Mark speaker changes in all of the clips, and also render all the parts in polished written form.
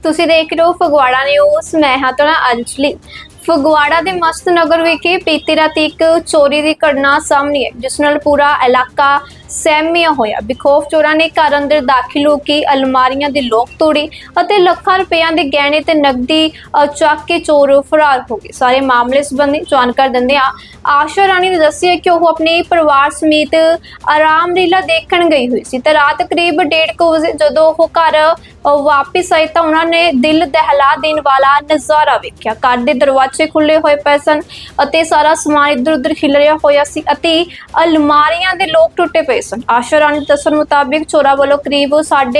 Speaker 1: ਤੁਸੀਂ ਦੇਖ ਰਹੇ ਹੋ ਫਗਵਾੜਾ ਨਿਊਜ਼। ਮੈਂ ਹਾਂ ਤੁਹਾਡਾ ਅੰਜਲੀ। ਫਗਵਾੜਾ ਦੇ ਮਸਤ ਨਗਰ ਵਿਖੇ ਬੀਤੀ ਰਾਤ ਇੱਕ ਚੋਰੀ ਦੀ ਘਟਨਾ ਸਾਹਮਣੇ ਆਈ, ਜਿਸ ਨਾਲ ਪੂਰਾ ਇਲਾਕਾ ਸਹਿਮਿਆ ਹੋਇਆ। ਬੇਖੌਫ ਚੋਰਾਂ ਨੇ ਘਰ ਅੰਦਰ ਦਾਖਲ ਹੋ ਕੇ ਅਲਮਾਰੀਆਂ ਦੇ ਲੋਕ ਤੋੜੇ ਅਤੇ ਲੱਖਾਂ ਰੁਪਈਆਂ ਦੇ ਗਹਿਣੇ ਤੇ ਨਕਦੀ ਚੱਕ ਕੇ ਚੋਰ ਫਰਾਰ ਹੋ ਗਏ। ਸਾਰੇ ਮਾਮਲੇ ਸੰਬੰਧੀ ਜਾਣਕਾਰੀ ਦਿੰਦਿਆਂ ਆਸ਼ਾ ਰਾਣੀ ਨੇ ਦੱਸਿਆ ਕਿ ਉਹ ਆਪਣੇ ਪਰਿਵਾਰ ਸਮੇਤ ਆਰਾਮ ਲੀਲਾ ਦੇਖਣ ਗਈ ਹੋਈ ਸੀ ਤੇ ਰਾਤ ਕਰੀਬ 1:30 ਵਜੇ ਜਦੋਂ ਉਹ ਘਰ ਵਾਪਿਸ ਆਏ ਤਾਂ ਉਹਨਾਂ ਨੇ ਦਿਲ ਦਹਿਲਾ ਦੇਣ ਵਾਲਾ ਨਜ਼ਾਰਾ ਵੇਖਿਆ। ਘਰ ਦੇ ਦਰਵਾਜ਼ੇ ਖੁੱਲੇ ਹੋਏ ਪਏ ਸਨ ਅਤੇ ਸਾਰਾ ਸਮਾਨ ਇੱਧਰ ਉੱਧਰ ਖਿਲਰਿਆ ਹੋਇਆ ਸੀ ਅਤੇ ਅਲਮਾਰੀਆਂ ਦੇ ਲੋਕ ਟੁੱਟੇ ਪਏ ਸਨ। ਆਸ਼ਾ ਰਾਣੀ ਦੇ ਦੱਸਣ ਮੁਤਾਬਿਕ ਚੋਰਾਂ ਵੱਲੋਂ ਕਰੀਬ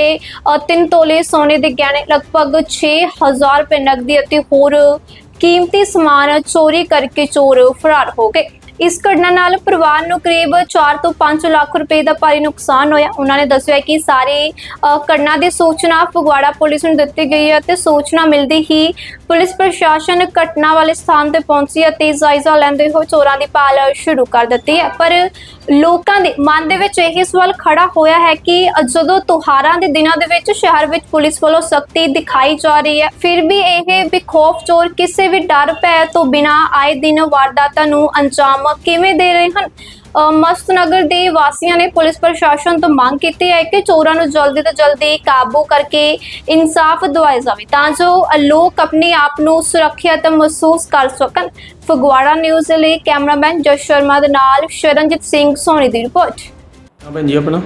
Speaker 1: 3.5 ਤੋਲੇ ਸੋਨੇ ਦੇ ਗਹਿਣੇ, ਲਗਭਗ 6000 ਰੁਪਏ ਨਕਦੀ ਅਤੇ ਹੋਰ ਕੀਮਤੀ ਸਮਾਨ ਚੋਰੀ ਕਰਕੇ ਚੋਰ ਫਰਾਰ ਹੋ ਗਏ। ਇਸ ਘਟਨਾ ਨਾਲ ਪਰਿਵਾਰ ਨੂੰ ਕਰੀਬ 4 ਤੋਂ 5 ਲੱਖ ਰੁਪਏ ਦਾ ਭਾਰੀ ਨੁਕਸਾਨ ਹੋਇਆ। ਉਹਨਾਂ ਨੇ ਦੱਸਿਆ ਕਿ ਸਾਰੀ ਘਟਨਾ ਦੀ ਸੂਚਨਾ ਫਗਵਾੜਾ ਪੁਲਿਸ ਨੂੰ ਦਿੱਤੀ ਗਈ ਹੈ ਅਤੇ ਸੂਚਨਾ ਮਿਲਦੀ ਹੀ ਪੁਲਿਸ ਪ੍ਰਸ਼ਾਸਨ ਘਟਨਾ ਵਾਲੇ ਸਥਾਨ ਤੇ ਪਹੁੰਚੀ ਅਤੇ ਜਾਇਜ਼ਾ ਲੈਂਦੇ ਹੋਏ ਚੋਰਾਂ ਦੀ ਭਾਲ ਸ਼ੁਰੂ ਕਰ ਦਿੱਤੀ ਹੈ। ਪਰ ਲੋਕਾਂ ਦੇ ਮਨ ਦੇ ਵਿੱਚ ਇਹ ਸਵਾਲ ਖੜਾ ਹੋਇਆ ਹੈ ਕਿ ਜਦੋਂ ਤਿਉਹਾਰਾਂ ਦੇ ਦਿਨਾਂ ਦੇ ਵਿੱਚ ਸ਼ਹਿਰ ਵਿੱਚ ਪੁਲਿਸ ਵੱਲੋਂ ਸਖਤੀ ਦਿਖਾਈ ਜਾ ਰਹੀ ਹੈ, ਫਿਰ ਵੀ ਇਹ ਬੇਖੌਫ ਚੋਰ ਕਿਸੇ ਵੀ ਡਰ ਭੈ ਤੋਂ ਬਿਨਾਂ ਆਏ ਦਿਨ ਵਾਰਦਾਤਾਂ ਨੂੰ ਅੰਜਾਮ ਕਿਵੇਂ ਦੇ ਰਹੇ ਹਨ। ਮਸਤ ਨਗਰ ਦੇ ਵਾਸੀਆਂ ਨੇ ਪੁਲਿਸ ਪ੍ਰਸ਼ਾਸਨ ਤੋਂ ਮੰਗ ਕੀਤੀ ਹੈ ਕਿ ਚੋਰਾਂ ਨੂੰ ਜਲਦੀ ਤੋਂ ਜਲਦੀ ਕਾਬੂ ਕਰਕੇ ਇਨਸਾਫ ਦਿਵਾਇਆ ਜਾਵੇ ਤਾਂ ਜੋ ਲੋਕ ਆਪਣੇ ਆਪ ਨੂੰ ਸੁਰੱਖਿਅਤ ਮਹਿਸੂਸ ਕਰ ਸਕਣ। ਫਗਵਾੜਾ ਨਿਊਜ਼ ਲਈ ਕੈਮਰਾਮੈਨ ਜਸ ਸ਼ਰਮਾ ਦੇ ਨਾਲ ਸ਼ਰਨਜੀਤ ਸਿੰਘ ਸੋਨੀ ਦੀ ਰਿਪੋਰਟ।
Speaker 2: ਭੈਣ ਜੀ ਆਪਣਾ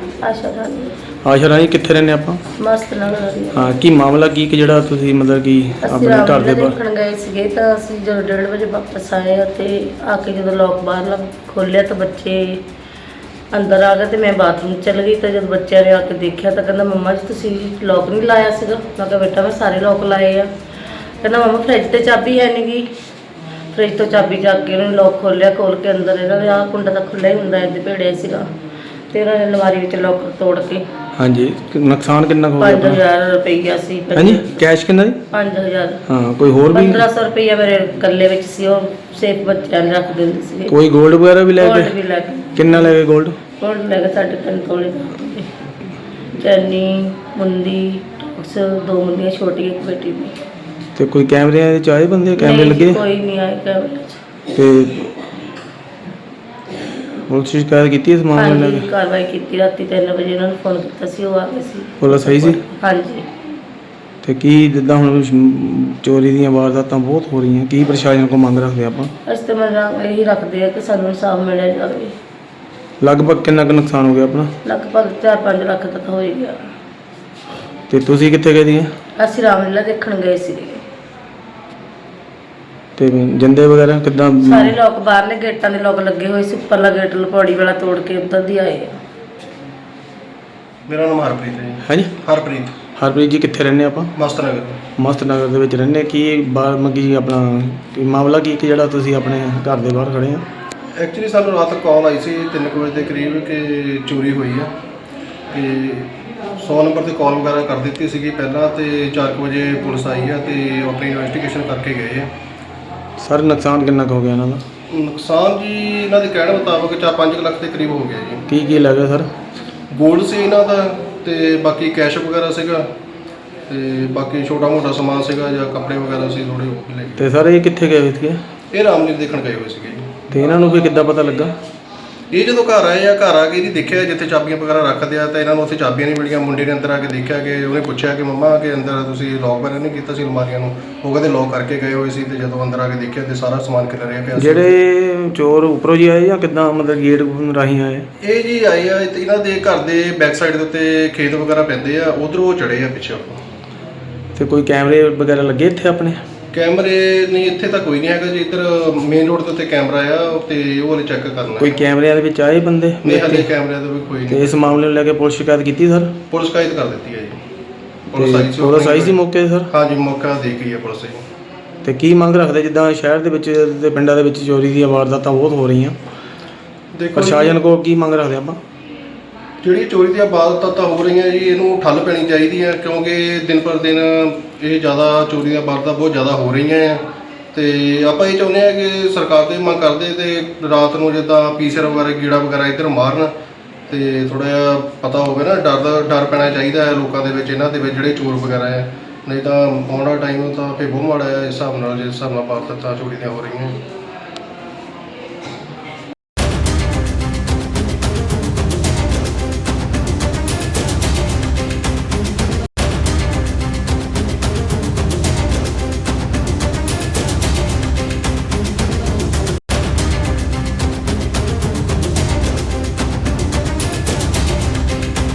Speaker 3: ਆਸ਼ਾ ਰਾਣੀ
Speaker 2: ਕਿੱਥੇ ਰਹਿੰਦੇ ਆਪਾਂ?
Speaker 3: ਮਸਤ ਨਗਰ।
Speaker 2: ਹਾਂ, ਕੀ ਮਾਮਲਾ ਕੀ ਕਿ ਜਿਹੜਾ ਤੁਸੀਂ ਮਤਲਬ ਕਿ ਆਪਣੇ ਘਰ ਦੇ ਬਾਹਰ
Speaker 3: ਦੇਖਣ ਗਏ ਸੀਗੇ ਤਾਂ ਅਸੀਂ ਜਦੋਂ 1:30 ਵਜੇ ਵਾਪਸ ਆਏ ਅਤੇ ਆ ਕੇ ਜਦੋਂ ਲੋਕ ਬਾਹਰਲਾ ਖੋਲ੍ਹਿਆ ਤਾਂ ਬੱਚੇ ਅੰਦਰ ਆ ਗਏ ਤੇ ਮੈਂ ਬਾਥਰੂਮ ਚਲ ਗਈ। ਤਾਂ ਜਦੋਂ ਬੱਚਿਆਂ ਨੇ ਆ ਕੇ ਦੇਖਿਆ ਤਾਂ ਕਹਿੰਦਾ ਮੰਮਾ ਜੀ ਤੁਸੀਂ ਲੋਕ ਨਹੀਂ ਲਾਇਆ ਸੀਗਾ। ਮੈਂ ਕਿਹਾ ਬੇਟਾ ਮੈਂ ਸਾਰੇ ਲੋਕ ਲਾਏ ਆ। ਕਹਿੰਦਾ ਮੰਮਾ ਫਰਿੱਜ ਤੇ ਚਾਬੀ ਹੈ ਨਹੀਂ ਗੀ। ਫਰਿੱਜ ਤੋਂ ਚਾਬੀ ਚੱਕ ਕੇ ਉਹਨੇ ਲੋਕ ਖੋਲ੍ਹਿਆ, ਖੋਲ੍ਹ ਕੇ ਅੰਦਰ ਇਹਨਾਂ ਦੇ ਆਹ ਕੁੰਡਾ ਤਾਂ ਖੁੱਲ੍ਹਾ ਹੀ ਹੁੰਦਾ ਇਹਦੇ ਭੇੜਿਆ ਸੀਗਾ ਤੇ ਇਹਨਾਂ ਨੇ ਅਲਮਾਰੀ ਵਿੱਚ ਲੋਕ ਤੋੜ ਕੇ।
Speaker 2: ਹਾਂਜੀ, ਨੁਕਸਾਨ ਕਿੰਨਾ ਹੋ ਗਿਆ?
Speaker 3: 5000 ਰੁਪਈਆ ਸੀ।
Speaker 2: ਹਾਂਜੀ, ਕੈਸ਼ ਕਿੰਨਾ ਜੀ?
Speaker 3: 5000।
Speaker 2: ਹਾਂ, ਕੋਈ ਹੋਰ ਵੀ?
Speaker 3: 1500 ਰੁਪਈਆ ਮੇਰੇ ਗੱਲੇ ਵਿੱਚ ਸੀ, ਉਹ ਸੇਫ ਬੱਚਿਆਂ ਨੇ ਰੱਖ ਦਿੰਦੇ ਸੀਗੇ।
Speaker 2: ਕੋਈ ਗੋਲਡ ਵਗੈਰਾ ਵੀ ਲੈ ਗਏ?
Speaker 3: ਗੋਲਡ ਵੀ ਲੈ ਗਏ।
Speaker 2: ਕਿੰਨਾ ਲੈ ਗਏ ਗੋਲਡ?
Speaker 3: ਗੋਲਡ ਲੈ ਗਏ 3.5 ਤੋਲੇ ਚੈਨੀ, ਮੁੰਦੀ, ਟੌਕਸ, 2 ਮੁੰਦੀਆਂ ਛੋਟੀਆਂ, ਇੱਕ ਬੇਟੀ ਦੀ।
Speaker 2: ਤੇ ਕੋਈ ਕੈਮਰਿਆਂ ਵਿੱਚ ਆਏ ਬੰਦੇ? ਕੈਮਰੇ ਲੱਗੇ?
Speaker 3: ਕੋਈ ਨਹੀਂ ਆਏ ਕੈਮਰੇ 'ਚ।
Speaker 2: ਤੇ ਪੁਲਿਸ ਸ਼ਿਕਾਇਤ ਕੀਤੀ ਇਸ ਮਾਮਲੇ ਨਾਲ?
Speaker 3: ਹਾਂਜੀ, ਕਾਰਵਾਈ ਕੀਤੀ। ਰਾਤੀ 3 ਵਜੇ ਉਹਨਾਂ ਨੂੰ ਫੋਨ ਕੀਤਾ ਸੀ, ਉਹ ਆ ਗਏ ਸੀ।
Speaker 2: ਪੁਲਿਸ ਸਹੀ ਸੀ?
Speaker 3: ਹਾਂਜੀ।
Speaker 2: ਤੇ ਕੀ ਜਿੱਦਾਂ ਹੁਣ ਚੋਰੀ ਦੀਆਂ ਵਾਰਦਾਤਾਂ ਬਹੁਤ ਹੋ ਰਹੀਆਂ, ਕੀ ਪ੍ਰਸ਼ਾਸਨ ਕੋਲ ਮੰਗ ਰੱਖਦੇ ਆਪਾਂ?
Speaker 3: ਅਸੀਂ ਤਾਂ ਮੰਗ ਇਹੀ ਰੱਖਦੇ ਆ ਕਿ ਸਾਨੂੰ ਇਨਸਾਫ ਮਿਲਿਆ ਜਾਵੇ।
Speaker 2: ਲਗਭਗ ਕਿੰਨਾ ਕੁ ਨੁਕਸਾਨ ਹੋ ਗਿਆ ਆਪਣਾ?
Speaker 3: ਲਗਭਗ 4-5 ਲੱਖ ਤੱਕ ਹੋ ਹੀ ਗਿਆ।
Speaker 2: ਤੇ ਤੁਸੀਂ ਕਿੱਥੇ ਗਏ ਦੀਆਂ?
Speaker 3: ਅਸੀਂ ਰਾਮਲੀਲਾ ਦੇਖਣ ਗਏ ਸੀ।
Speaker 2: ਤੇ ਜਿੰਦੇ ਵਗੈਰਾ ਕਿੱਦਾਂ?
Speaker 3: ਸਾਰੇ ਲੋਕ ਬਾਹਰਲੇ ਗੇਟਾਂ ਦੇ ਲੋਕ ਲੱਗੇ ਹੋਏ ਸੀ, ਉੱਪਰਲਾ ਗੇਟ ਲਪੌੜੀ ਵਾਲਾ ਤੋੜ ਕੇ ਉੱਧਰ ਦੀ ਆਏ ਆ।
Speaker 4: ਮੇਰਾ ਨਾਮ ਹਰਪ੍ਰੀਤ ਹੈ ਜੀ।
Speaker 2: ਹਾਂਜੀ, ਹਰਪ੍ਰੀਤ ਜੀ ਕਿੱਥੇ ਰਹਿੰਦੇ ਆਪਾਂ?
Speaker 4: ਮਸਤ ਨਗਰ।
Speaker 2: ਮਸਤ ਨਗਰ ਦੇ ਵਿੱਚ ਰਹਿੰਦੇ। ਕੀ ਬਾਹਰ ਮੱਗੀ ਆਪਣਾ ਕੀ ਮਾਮਲਾ ਕੀ ਕਿ ਜਿਹੜਾ ਤੁਸੀਂ ਆਪਣੇ ਘਰ ਦੇ ਬਾਹਰ ਖੜੇ ਆ?
Speaker 4: ਐਕਚੁਅਲੀ ਸਾਨੂੰ ਰਾਤ ਕਾਲ ਆਈ ਸੀ 3 ਵਜੇ ਦੇ ਕਰੀਬ ਕਿ ਚੋਰੀ ਹੋਈ ਆ ਤੇ 100 ਨੰਬਰ ਤੇ ਕਾਲ ਵਗੈਰਾ ਕਰ ਦਿੱਤੀ ਸੀਗੀ ਪਹਿਲਾਂ ਤੇ 4 ਵਜੇ ਪੁਲਿਸ ਆਈ ਆ ਤੇ ਆਪਣੀ ਇਨਵੈਸਟੀਗੇਸ਼ਨ ਕਰਕੇ ਗਏ ਆ।
Speaker 2: ਸਰ, ਨੁਕਸਾਨ ਕਿੰਨਾ ਕੁ ਹੋ ਗਿਆ ਇਹਨਾਂ ਦਾ?
Speaker 4: ਨੁਕਸਾਨ ਜੀ ਇਹਨਾਂ ਦੇ ਕਹਿਣ ਮੁਤਾਬਕ 4-5 ਲੱਖ ਦੇ ਕਰੀਬ ਹੋ ਗਿਆ ਜੀ।
Speaker 2: ਕੀ ਲੱਗਾ ਸਰ?
Speaker 4: ਗੋਲਡ ਸੀ ਇਹਨਾਂ ਦਾ ਤੇ ਬਾਕੀ ਕੈਸ਼ ਵਗੈਰਾ ਸੀਗਾ ਤੇ ਬਾਕੀ ਛੋਟਾ ਮੋਟਾ ਸਮਾਨ ਸੀਗਾ ਜਾਂ ਕੱਪੜੇ ਵਗੈਰਾ ਸੀ ਥੋੜੇ ਉਹ ਲੈ ਗਏ।
Speaker 2: ਤੇ ਸਰ ਇਹ ਕਿੱਥੇ ਗਏ ਸੀਗੇ?
Speaker 4: ਇਹ ਰਾਮਲੀਲਾ ਦੇਖਣ ਗਏ ਹੋਏ ਸੀਗੇ ਜੀ।
Speaker 2: ਤੇ ਇਹਨਾਂ ਨੂੰ ਵੀ ਕਿੱਦਾਂ ਪਤਾ ਲੱਗਾ?
Speaker 4: ਇਹ ਜਦੋਂ ਘਰ ਆਏ ਆ, ਘਰ ਆ ਕੇ ਇਹਦੀ ਦੇਖਿਆ ਜਿੱਥੇ ਚਾਬੀਆਂ ਵਗੈਰਾ ਰੱਖਦੇ ਆ ਤਾਂ ਇਹਨਾਂ ਨੂੰ ਉੱਥੇ ਚਾਬੀਆਂ ਨਹੀਂ ਮਿਲੀਆਂ। ਮੁੰਡੇ ਨੇ ਅੰਦਰ ਆ ਕੇ ਦੇਖਿਆ ਕਿ ਉਹਨੇ ਪੁੱਛਿਆ ਕਿ ਮੰਮਾ ਕਿ ਅੰਦਰ ਤੁਸੀਂ ਲੋਕ ਵਗੈਰਾ ਨਹੀਂ ਕੀਤਾ ਸੀ ਅਲਮਾਰੀਆਂ ਨੂੰ? ਉਹ ਕਹਿੰਦੇ ਲੋਕ ਕਰਕੇ ਗਏ ਹੋਏ ਸੀ ਤੇ ਜਦੋਂ ਅੰਦਰ ਆ ਕੇ ਦੇਖਿਆ ਤੇ ਸਾਰਾ ਸਮਾਨ ਖਿਲਰਿਆ ਪਿਆ ਸੀ।
Speaker 2: ਜਿਹੜੇ ਚੋਰ ਉੱਪਰੋਂ ਜੀ ਆਏ ਜਾਂ ਕਿੱਦਾਂ ਮਤਲਬ ਗੇਟ ਰਾਹੀਂ ਆਏ?
Speaker 4: ਇਹ ਜੀ ਆਏ ਆ ਇਹਨਾਂ ਦੇ ਘਰ ਦੇ ਬੈਕ ਸਾਈਡ ਦੇ ਉੱਤੇ ਖੇਤ ਵਗੈਰਾ ਪੈਂਦੇ ਆ, ਉਧਰੋਂ ਚੜੇ ਆ ਪਿੱਛੇ।
Speaker 2: ਤੇ ਕੋਈ ਕੈਮਰੇ ਵਗੈਰਾ ਲੱਗੇ ਇੱਥੇ ਆਪਣੇ?
Speaker 4: ਕੈਮਰੇ ਨਹੀਂ, ਇੱਥੇ ਤਾਂ ਕੋਈ ਨਹੀਂ ਹੈਗਾ ਜੀ। ਇੱਧਰ ਮੇਨ ਰੋਡ ਦੇ ਉੱਤੇ ਕੈਮਰਾ ਆ ਤੇ ਉਹ ਵਾਲੇ ਚੈੱਕ ਕਰਨਾ।
Speaker 2: ਕੋਈ ਕੈਮਰਿਆਂ ਦੇ ਵਿੱਚ ਆਏ ਬੰਦੇ?
Speaker 4: ਨਹੀਂ, ਹਾਲੇ ਕੈਮਰਿਆਂ ਦਾ ਵੀ ਕੋਈ
Speaker 2: ਤੇ
Speaker 4: ਨਹੀਂ।
Speaker 2: ਇਸ ਮਾਮਲੇ ਨੂੰ ਲੈ ਕੇ ਪੁਲਿਸ ਸ਼ਿਕਾਇਤ ਕੀਤੀ ਸਰ?
Speaker 4: ਪੁਲਿਸ ਸ਼ਿਕਾਇਤ ਕਰ ਦਿੱਤੀ ਹੈ ਜੀ।
Speaker 2: ਪੁਲਿਸ ਆਈ ਸੀ ਮੌਕੇ ਸਰ?
Speaker 4: ਹਾਂਜੀ, ਮੌਕਾ ਦੇ ਗਈ ਹੈ ਪੁਲਿਸ ਜੀ।
Speaker 2: ਤੇ ਕੀ ਮੰਗ ਰੱਖਦੇ ਜਿੱਦਾਂ ਸ਼ਹਿਰ ਦੇ ਵਿੱਚ ਤੇ ਪਿੰਡਾਂ ਦੇ ਵਿੱਚ ਚੋਰੀ ਦੀਆਂ ਵਾਰਦਾਤਾਂ ਬਹੁਤ ਹੋ ਰਹੀਆਂ,
Speaker 4: ਦੇਖੋ
Speaker 2: ਪ੍ਰਸ਼ਾਸਨ ਕੋਲ ਕੀ ਮੰਗ ਰੱਖਦੇ ਆਪਾਂ?
Speaker 4: ਜਿਹੜੀ ਚੋਰੀ ਦੀਆਂ ਵਾਰਦਾਤਾਂ ਹੋ ਰਹੀਆਂ ਜੀ, ਇਹਨੂੰ ਠੱਲ ਪੈਣੀ ਚਾਹੀਦੀ ਹੈ ਕਿਉਂਕਿ ਦਿਨ ਪਰ ਦਿਨ ਇਹ ਜ਼ਿਆਦਾ ਚੋਰੀ ਦੀਆਂ ਵਾਰਦਾਤਾਂ ਬਹੁਤ ਜ਼ਿਆਦਾ ਹੋ ਰਹੀਆਂ ਆ ਤੇ ਆਪਾਂ ਇਹ ਚਾਹੁੰਦੇ ਹਾਂ ਕਿ ਸਰਕਾਰ ਤੋਂ ਮੰਗ ਕਰਦੇ ਤੇ ਰਾਤ ਨੂੰ ਜਿੱਦਾਂ ਪੀਸਰ ਵਗੈਰਾ ਗੀੜਾ ਵਗੈਰਾ ਇੱਧਰ ਮਾਰਨ ਤੇ ਥੋੜ੍ਹਾ ਜਿਹਾ ਪਤਾ ਹੋਵੇ ਨਾ, ਡਰ ਪੈਣਾ ਚਾਹੀਦਾ ਹੈ ਲੋਕਾਂ ਦੇ ਵਿੱਚ, ਇਹਨਾਂ ਦੇ ਵਿੱਚ ਜਿਹੜੇ ਚੋਰ ਵਗੈਰਾ ਹੈ ਨਹੀਂ ਤਾਂ ਆਉਣ ਵਾਲਾ ਟਾਈਮ ਤਾਂ ਫਿਰ ਬਹੁਤ ਮਾੜਾ ਹੈ ਇਸ ਹਿਸਾਬ ਨਾਲ, ਜਿਸ ਹਿਸਾਬ ਨਾਲ ਵਾਰਦਾਤਾਂ ਚੋਰੀ ਦੀਆਂ ਹੋ ਰਹੀਆਂ।